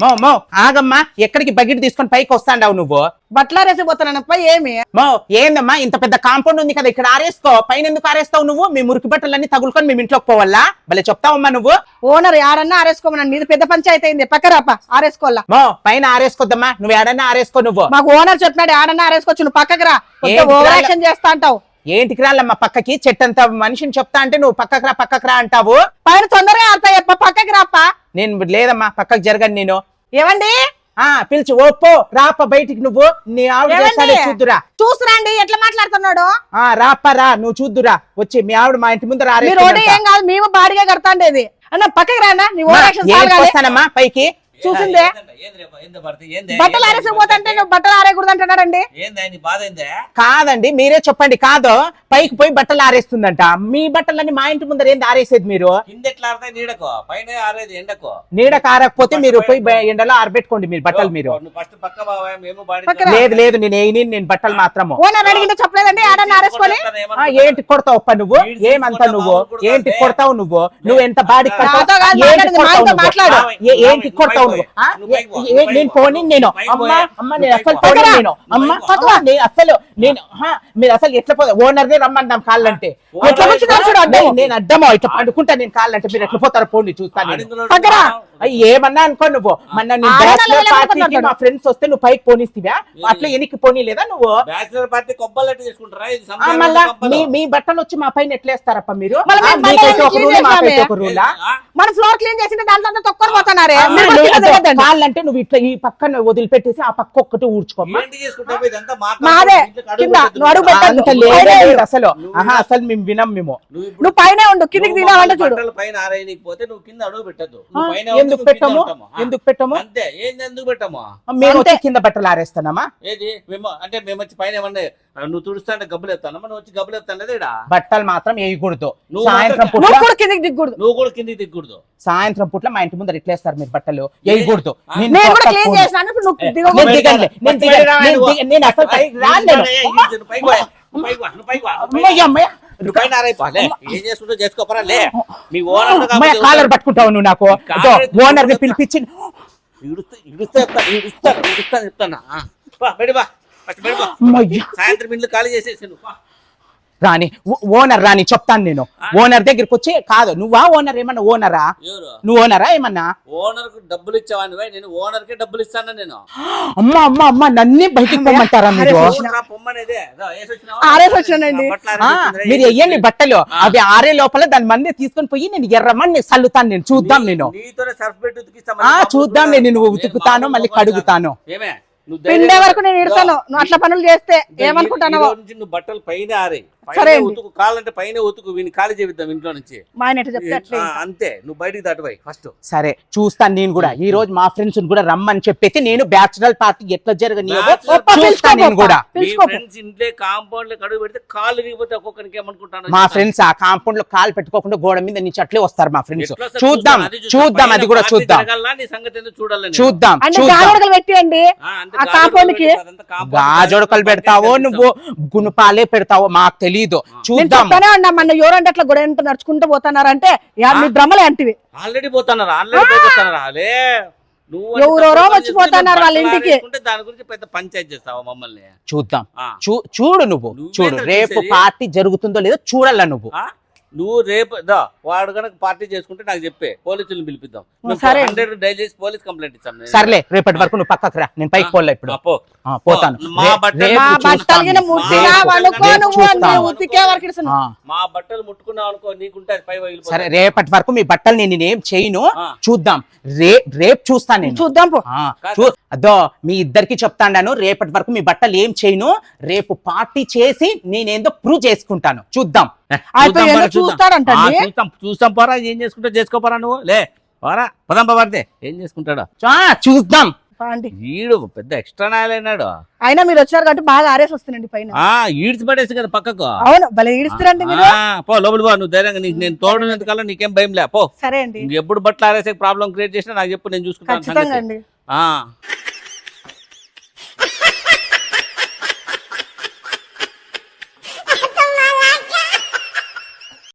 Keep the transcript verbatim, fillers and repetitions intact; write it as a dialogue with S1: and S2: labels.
S1: మో మో ఆగమ్మా, ఎక్కడికి బకెట్ తీసుకొని పైకి వస్తాండావు నువ్వు?
S2: బట్టలు ఆరేసిపోతానప్ప ఏమి?
S1: మో ఏందమ్మా, ఇంత పెద్ద కాంపౌండ్ ఉంది కదా, ఇక్కడ ఆరేసుకో. పైన ఎందుకు ఆరేస్తావు నువ్వు? మీ మురికి బట్టలన్నీ తగులుకొని మేము ఇంట్లోకి పోవాలా? భలే చెప్తావమ్మా నువ్వు.
S2: ఓనర్ ఆడన్నా ఆరేసుకోమన్నాను, నీది పెద్ద పంచాయతీ అయింది. పక్కరాప ఆరేసుకోవాలా?
S1: మో పైన ఆరేసుకోద్దమ్మా, నువ్వు ఏడన్నా ఆరేసుకో. నువ్వు
S2: మాకు ఓనర్ చెప్పినాడు ఆడన్నా ఆరేసుకోవచ్చు, నువ్వు పక్కకు రా. ఓవర్ యాక్షన్ చేస్తా అంటావు.
S1: ఏంటికి రాళ్ళమ్మా పక్కకి? చెట్టంత మనిషిని చెప్తా అంటే నువ్వు పక్కకు రా పక్కకు రా అంటావు.
S2: పైన తొందరగా ఆడతాయప్ప, పక్కకి రాప.
S1: నేను లేదమ్మా, పక్కకు జరగను నేను.
S2: ఏమండి
S1: ఆ పిలిచి ఓపో రాప బయటికి. నువ్వు నీ ఆవిడ చూద్దురా.
S2: చూస్తురండి ఎట్లా మాట్లాడుతున్నాడు.
S1: ఆ రాప రా, నువ్వు చూద్దురా వచ్చి. మీ ఆవిడ మా ఇంటి ముందు
S2: రాడు. ఏం కాదు, మేము బాడిగా కడతాండేది అన్న. పక్కకి రానా, నీ ఓవర్ యాక్షన్
S1: వస్తానమ్మా పైకి.
S2: చూసిందే బట్టలు ఆరేసిపోతుంటే నువ్వు బట్టలు ఆరేకూడదు అంటున్నాడండి.
S1: కాదండి మీరే చెప్పండి. కాదు పైకి పోయి బట్టలు ఆరేస్తుందంట. మీ బట్టలన్నీ మా ఇంటి ముందర ఏంది ఆరేసేది మీరు? నీడకు ఆరకపోతే మీరు పోయి ఎండలో ఆరబెట్టుకోండి మీరు బట్టలు. మీరు లేదు లేదు నేను ఏ నేను బట్టలు మాత్రము.
S2: చెప్పలేదండి ఆడని ఆరేసుకొని.
S1: ఏంటి కొడతావు అప్ప నువ్వు? ఏమంతా నువ్వు ఏంటి కొడతావు నువ్వు? నువ్వు ఎంత బాడీ మాట్లాడు. ఏంటి కొడతావు నువ్వు? నేను పోనీ నేను అమ్మా అమ్మ నేను అసలు పోనీ నేను అమ్మ నేను అసలు నేను మీరు అసలు ఎట్లా పోతా? ఓనర్నే రమ్మన్నాం కాళ్ళంటే. నేను అడ్డమో ఇట్లా పండుకుంటా నేను కాళ్ళంటే. మీరు ఎట్లా పోతారో పోండి చూస్తాను. ఏమన్నా అనుకో నువ్వు. మొన్న నేను బ్యాచిలర్ పార్టీకి మా ఫ్రెండ్స్ వస్తే నువ్వు పైకి పోనిస్తివా? అట్లా ఎనికి పోనీ లేదా నువ్వు? మళ్ళా మీ బట్టలు వచ్చి మా పైన ఎట్లేస్తారప్ప మీరు?
S2: మన ఫ్లోర్ క్లీన్ చేసింటే దాంట్లో తొక్కని పోతున్నారే.
S1: కాళ్ళంటే నువ్వు ఇట్లా ఈ పక్కన వదిలిపెట్టేసి ఆ పక్క ఒక్కటి ఊడ్చుకోమ్మా. అసలు ఆహా అసలు మేము వినం. మేము
S2: నువ్వు పైన ఉండు, కిందికి దిగావంటే చూడు.
S1: ఎందుకు పెట్టము? ఎందుకు పెట్టము?
S3: అంతే. ఏంది ఎందుకు పెట్టము?
S1: మేము వచ్చి కింద బట్టలు ఆరేస్తానమ్మా.
S3: ఏది మేము అంటే మేము వచ్చి పైన ఏమన్నా నువ్వు తుడుస్తా అంటే గబ్బులు ఎత్తానమ్మా. నువ్వు వచ్చి గబ్బులు ఎత్తాను
S1: బట్టలు మాత్రం వేయకూడదు.
S2: సాయంత్రం పూట కిందికి దిగకూడదు.
S3: నువ్వు కూడా కిందికి దిగకూడదు.
S1: సాయంత్రం పూట్ల మా ఇంటి ముందర ఇట్లేస్తారు మీరు బట్టలు వేయకూడదు. కాలర్ పట్టుకుంటావు నువ్వు. నాకు ఓనర్ ని పిలిపించి
S3: సాయంత్రం ఇంట్లో ఖాళీ చేసేసి
S1: రాని ఓనర్ రాని చెప్తాను నేను. ఓనర్ దగ్గరికి వచ్చి కాదు నువ్వా ఓనర్? ఏమన్నా ఓనరా నువ్వు? ఓనరా ఏమన్నా?
S3: ఓనర్ కు డబ్బులు ఇచ్చావని నేను ఓనర్ కి డబ్బులు ఇస్తాను నేను.
S1: అమ్మ అమ్మ అమ్మ నన్నే బయటికి పొమ్మంటారా మీరు? మీరు వెయ్యండి బట్టలు, అవి ఆరే లోపల దాని మంది తీసుకొని పోయి నేను ఎర్రమని చల్లుతాను. నేను చూద్దాం. నేను చూద్దాం. నేను నువ్వు ఉతుకుతాను మళ్ళీ కడుగుతాను.
S2: పిండే వరకు నేను ఇడతాను నువ్వు అట్లా పనులు చేస్తే. ఏమనుకుంటాను?
S3: నువ్వు బట్టలు పైన ఆరే ఉతుకు, కాలంటే పైన ఉతుకు. వీని ఖాళీ చేద్దాం ఇంట్లో నుంచి. అంతే. నువ్వు బయటికి దాటిపోయి ఫస్ట్.
S1: సరే చూస్తాను నేను కూడా. ఈ రోజు మా ఫ్రెండ్స్ కూడా రమ్మని చెప్పేసి నేను బ్యాచులర్ పార్టీ ఎట్లా జరగని కూడా.
S3: ఇంట్లో కాంపౌండ్ లో కడుగు పెడితే కాళ్ళు విరిగిపోతే ఒక్కొక్కరికి ఏమనుకుంటాను.
S1: మా ఫ్రెండ్స్ ఆ కాంపౌండ్ లో కాలు పెట్టుకోకుండా గోడ మీద నుంచి అట్లే వస్తారు మా ఫ్రెండ్స్. చూద్దాం చూద్దాం అది కూడా చూద్దాం.
S3: చూడాలి
S1: చూద్దాం.
S2: పెట్టండి
S1: గాజొడకలు పెడతావో నువ్వు గుణపాలే పెడతావో మాకు తెలీదు. చూద్దాం.
S2: మన ఎవరంటే అట్లా గొడవ నడుచుకుంటూ పోతున్నారంటే మీ భ్రమలే అంటివి.
S3: ఆల్రెడీ పోతున్నారా? ఆల్రెడీ పోతున్నారా?
S2: ఎవరెవరో వచ్చిపోతున్నారు వాళ్ళ ఇంటికి.
S3: దాని గురించి పెద్ద పంచాయతీ చేస్తావా మమ్మల్ని?
S1: చూద్దాం. చూడు నువ్వు చూడు. రేపు పార్టీ జరుగుతుందో లేదో చూడాల నువ్వు.
S3: నువ్వు రేపు వాడు కనుక పార్టీ చేసుకుంటే నాకు చెప్పే, పోలీసులను పిలిపిద్దాం. డైల్ చేసి పోలీస్ కంప్లైంట్ ఇస్తాను.
S1: సర్లే రేపటి వరకు నువ్వు పక్కకు రా. నేను పైకి పోలే ఇప్పుడు పోతాను.
S3: మా బట్టలు ముట్టుకున్నావు అనుకో నీకుంటే పై.
S1: సరే రేపటి వరకు మీ బట్టలు నేను నేనేం చేయను. చూద్దాం. రే రేపు చూస్తాను నేను.
S2: చూద్దాం.
S1: అదో మీ ఇద్దరికి చెప్తాను. రేపటి వరకు మీ బట్టలు ఏం చేయను. రేపు పార్టీ చేసి నేనేందో ప్రూవ్ చేసుకుంటాను. చూద్దాం.
S3: చూస్తాం పోరా. ఏం చేసుకుంటా చేసుకోపోరా నువ్వు. లే పోరా పదం పడితే ఏం చేసుకుంటాడు
S1: చూద్దాం.
S3: ఈడు పెద్ద ఎక్స్ట్రా నాయలైనాడు.
S2: అయినా మీరు వచ్చారు కాబట్టి బాగా ఆరేసి వస్తుందండి పైన.
S3: ఈడ్చి పడేసి కదా పక్కకు.
S2: అవును భలే ఈడుస్తారండి మీరు.
S3: పో లోపలి పో. నువ్వు ధైర్యంగా నీకు నేను తోడనంతకల్లా నీకేం భయం లే. పో.
S2: సరే అండి.
S3: ఎప్పుడు బట్టలు ఆరేసే ప్రాబ్లం క్రియేట్ చేసినా నాకు చెప్పు, నేను చూసుకుంటాను.